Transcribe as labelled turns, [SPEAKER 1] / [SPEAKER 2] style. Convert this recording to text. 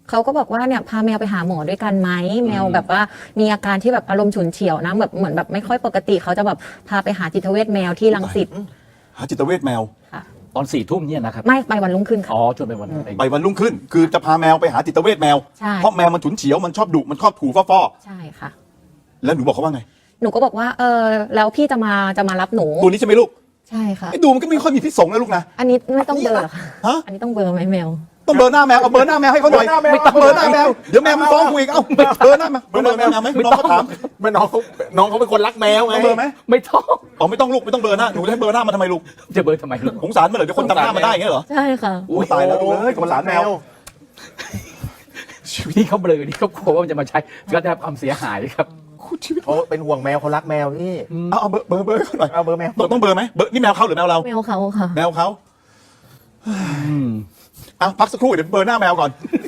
[SPEAKER 1] เขาก็บอกว่าเนี่ยพาแมวไปหาหมอด้วยกันไหมแมวแบบว่ามีอาการที่แบบอารมณ์ฉุนเฉียวนะแบบเหมือนแบบไม่ค่อยปกติเขาจะแบบพาไปหาจิตเวชแมวที่รังสิต
[SPEAKER 2] หาจิตเวชแมว
[SPEAKER 1] ค่ะ
[SPEAKER 3] ตอน4 ทุ่มเนี่ยนะครับ
[SPEAKER 1] ไม่ไปวันรุ่งขึ้นค่ะ
[SPEAKER 3] อ๋อจนไปวันนั้น
[SPEAKER 2] ไปวันรุ่งขึ้น คือจะพาแมวไปหาจิตเวชแมว
[SPEAKER 1] ใช่
[SPEAKER 2] เพราะแมวมันฉุนเฉียวมันชอบดุมันชอบถูฟ้อ
[SPEAKER 1] ใช่ค่ะ
[SPEAKER 2] ๆแล้วหนูบอกเขาว่าไง
[SPEAKER 1] หนูก็บอกว่าแล้วพี่จะมารับหนู
[SPEAKER 2] ตัวนี้ใช่ไหมลูก
[SPEAKER 1] ใช่ค่ะ
[SPEAKER 2] ไอ้ดูมันก็ไม่ค่อยมีพิษสงนะลูกนะ
[SPEAKER 1] อันนี้ไม่ต้องเบลอร์เหรอคะ
[SPEAKER 2] ฮะ
[SPEAKER 1] อันนี้ต้องเบลอร์ไหมแมว
[SPEAKER 2] ต้องเบอร์หน้าแมวเอาเบอร์หน้าแมวให้เขาหน่อย
[SPEAKER 3] ไม่ต้อง
[SPEAKER 2] เบอร์หน้าแมวเดี๋ยวแมวมันฟ้องกูอีกเอ้าเบอร์หน้าแมวเบอร์หน้าแมวไหมน้องเขาถาม
[SPEAKER 4] ไม่น้องเขาเป็นคนรักแมวไง
[SPEAKER 2] ต้องเบอร์ไหม
[SPEAKER 3] ไม่ต้อง
[SPEAKER 2] อ๋อไม่ต้องลูกไม่ต้องเบอร์หน้าหนูจะให้เบอร์หน้ามาทำไมลูก
[SPEAKER 3] จะเบอร์ทำไมลูก
[SPEAKER 2] สงสารมันเหรอเดี๋ยวคนจำหน้ามาได้อย่างเงี้ยเหรอ
[SPEAKER 1] ใช่ค่ะ
[SPEAKER 2] โอ้ยตายแล้วลูกเอ้ยสงสารแมว
[SPEAKER 3] ชีวิตที่เขาเบลอนี่เขากลัวว่ามันจะมาใช้ก็ได้รับความเสียหายครับ
[SPEAKER 4] เขาเป็นห่วงแมวเขารักแมวพี่
[SPEAKER 2] เอาเบอร์เขาหน่อย
[SPEAKER 4] เอาเบอร์แมว
[SPEAKER 2] ต้องเบอร์ไหมเบอร์นี่แมวเขาหรือแมวเรา
[SPEAKER 1] แมวเขาค่ะ
[SPEAKER 2] แมวเขาเอาพักสักครู่เดี๋ยวเบอร์หน้าแมวก่อน